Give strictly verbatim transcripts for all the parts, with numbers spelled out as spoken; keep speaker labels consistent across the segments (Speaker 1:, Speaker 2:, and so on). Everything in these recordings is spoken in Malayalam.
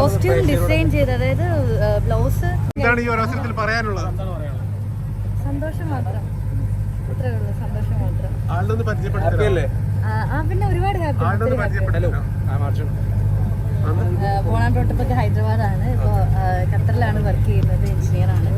Speaker 1: കോസ്റ്റ്യൂം ഡിസൈൻ ചെയ്ത്, അതായത് ബ്ലൗസ്.
Speaker 2: എന്താണ് ഈ അവസരത്തിൽ പറയാനുള്ളത്?
Speaker 1: സന്തോഷം മാത്രം, അത്രേ ഉള്ളൂ, സന്തോഷം മാത്രം.
Speaker 2: ആളിനൊന്ന് പരിചയപ്പെടുത്തില്ലേ?
Speaker 1: ആ പിന്നെ ഒരുപാട് ഹാപ്പി. ബോണാൻ പ്രോട്ടോപ്പത്ത് ഹൈദരാബാദാണ്, ഇപ്പോൾ ഖത്തറിലാണ് വർക്ക് ചെയ്യുന്നത്, എഞ്ചിനീയറാണ്.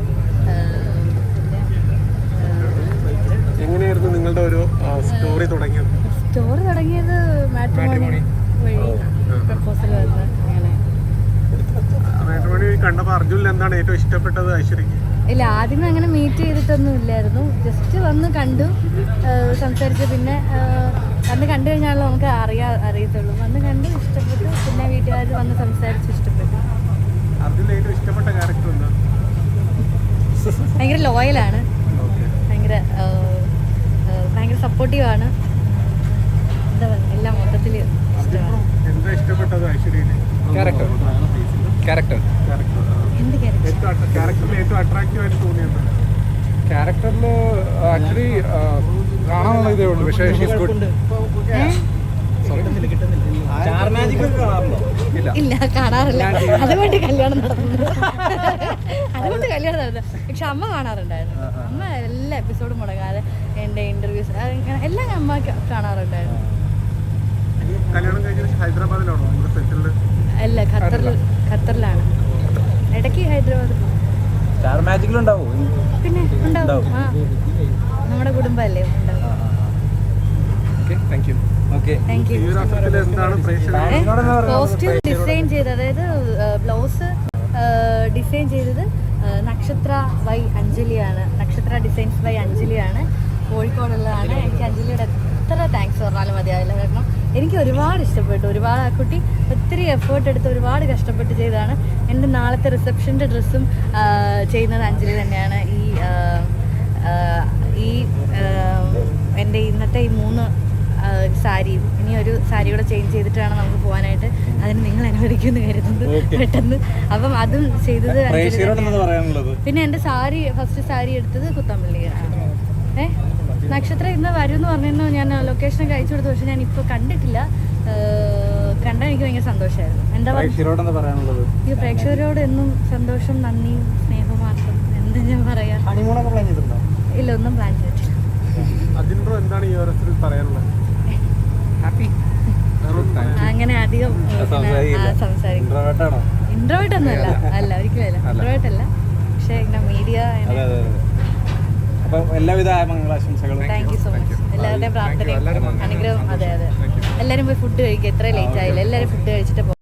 Speaker 2: എങ്ങനെയായിരുന്നു നിങ്ങളുടെ ഒരു സ്റ്റോറി തുടങ്ങിയത്?
Speaker 1: സ്റ്റോറി തുടങ്ങിയത് മാട്രിമോണി വഴി പ്രപ്പോസൽ വന്ന് അങ്ങനെ.
Speaker 2: മാട്രിമോണി കണ്ടപ്പോൾ അർജുനിൽ എന്താണ് ഏറ്റവും ഇഷ്ടപ്പെട്ടത് ഐശ്വര്യക്ക്?
Speaker 1: ഇല്ല, ആദ്യമേ അങ്ങനെ മീറ്റ് ചെയ്തിട്ടൊന്നും ഇല്ലായിരുന്നു, ജസ്റ്റ് വന്ന് കണ്ടു, സംസാരിച്ചു. പിന്നെ വന്ന് കണ്ടു കഴിഞ്ഞാലും നമുക്ക് അറിയാ അറിയത്തുള്ളൂ. വന്ന് കണ്ടു, ഇഷ്ടപ്പെട്ടു, പിന്നെ വീട്ടുകാർ വന്ന് സംസാരിച്ച് ഇഷ്ടപ്പെട്ടു.
Speaker 2: അർജുനിൽ ഏറ്റവും ഇഷ്ടപ്പെട്ട ക്യാരക്ടർ എന്താ?
Speaker 1: ഭയങ്കര ലോയലാണ്, ഭയങ്കര ഭയങ്കര സപ്പോർട്ടീവാണ്, എന്താ പറയുക, എല്ലാം മൊത്തത്തിൽ ഇഷ്ടമാണ്.
Speaker 2: എന്താ ഇഷ്ടപ്പെട്ടത് ഐശ്വര്യയിലെ ക്യാരക്ടർ? ക്യാരക്ടർ
Speaker 1: എന്ത്
Speaker 2: ക്യാരക്ടറിൽ ഏറ്റവും അട്രാക്റ്റീവ് ആയിട്ട് തോന്നിയത്?
Speaker 3: ക്യാരക്ടറിൽ ആക്ച്വലി കാണാനുള്ള ഇതേ ഉള്ളൂ, പക്ഷേ
Speaker 1: ഇല്ല, കാണാറില്ല, അതുകൊണ്ട് കല്യാണം നടന്നു അതുകൊണ്ട് കല്യാണം നടന്നു പക്ഷെ അമ്മ കാണാറുണ്ടായിരുന്നു. അമ്മ എല്ലാ എപ്പിസോഡും മുടങ്ങാതെ എൻ്റെ ഇന്റർവ്യൂസ് എല്ലാം അമ്മ കാണാറുണ്ടായിരുന്നു.
Speaker 2: ഹൈദരാബാദിലാണോ?
Speaker 1: അല്ല, ഖത്തറിൽ ഖത്തറിലാണ്. ഇടയ്ക്ക് ഹൈദരാബാദ് പിന്നെ ഉണ്ടാവും. ആ, നമ്മുടെ കുടുംബമല്ലേ, ഉണ്ടാവും. കോസ്റ്റ്യൂം ഡിസൈൻ ചെയ്ത്, അതായത് ബ്ലൗസ് ഡിസൈൻ ചെയ്തത് നക്ഷത്ര വൈ അഞ്ജലിയാണ്. നക്ഷത്ര ഡിസൈൻസ് ബൈ അഞ്ജലിയാണ്, കോഴിക്കോടുള്ളതാണ്. എനിക്ക് അഞ്ജലിയുടെ എത്ര താങ്ക്സ് പറഞ്ഞാലും മതിയാവില്ല, കാരണം എനിക്ക് ഒരുപാട് ഇഷ്ടപ്പെട്ടു. ഒരുപാട് ആ കുട്ടി ഒത്തിരി എഫേർട്ട് എടുത്ത് ഒരുപാട് കഷ്ടപ്പെട്ട് ചെയ്തതാണ്. എൻ്റെ നാളത്തെ റിസപ്ഷൻ്റെ ഡ്രസ്സും ചെയ്യുന്നത് അഞ്ജലി തന്നെയാണ്. ഈ ഈ എൻ്റെ ഇന്നത്തെ ഈ മൂന്ന് സാരിയും ഇനി ഒരു സാരി കൂടെ ചേഞ്ച് ചെയ്തിട്ടാണ് നമുക്ക് പോകാനായിട്ട്. അതിന് നിങ്ങൾ അനുവദിക്കുമെന്ന് കരുതുന്നത് പെട്ടെന്ന്. അപ്പം അതും ചെയ്തത്. പിന്നെ എൻ്റെ സാരി, ഫസ്റ്റ് സാരി എടുത്തത് കുത്തമ്പള്ളിയാണ്. ഏ നക്ഷത്ര ഇന്ന് വരും എന്ന് പറഞ്ഞിരുന്നു. ഞാൻ ലൊക്കേഷനൊക്കെ അയച്ചു കൊടുത്തു, പക്ഷെ ഞാൻ ഇപ്പോൾ കണ്ടിട്ടില്ല. കണ്ടാൽ എനിക്ക് ഭയങ്കര സന്തോഷമായിരുന്നു. എന്താ പറയുക, ഈ പ്രേക്ഷകരോട് എന്നും സന്തോഷം, നന്ദി, സ്നേഹം മാത്രം. എന്താ ഞാൻ പറയാ, ഇല്ല, ഒന്നും പ്ലാൻ ചെയ്തിട്ടില്ല. അങ്ങനെ അധികം സംസാരിക്കും. ഇൻട്രോവേർട്ട് ഒന്നും അല്ല, അല്ല ഒരിക്കലും അല്ല, ഇൻട്രോവേർട്ട് അല്ല. പക്ഷെ ഇങ്ങനെ മീഡിയ.
Speaker 3: എല്ലാവിധ മംഗളാശംസകളും.
Speaker 1: Thank you so much. എല്ലാവരുടെയും പ്രാർത്ഥനയും അനുഗ്രഹം. അതെ അതെ, എല്ലാവരും പോയി ഫുഡ് കഴിക്കുക. എത്ര ലേറ്റ് ആയില്ല, എല്ലാവരും ഫുഡ് കഴിച്ചിട്ട് പോകും.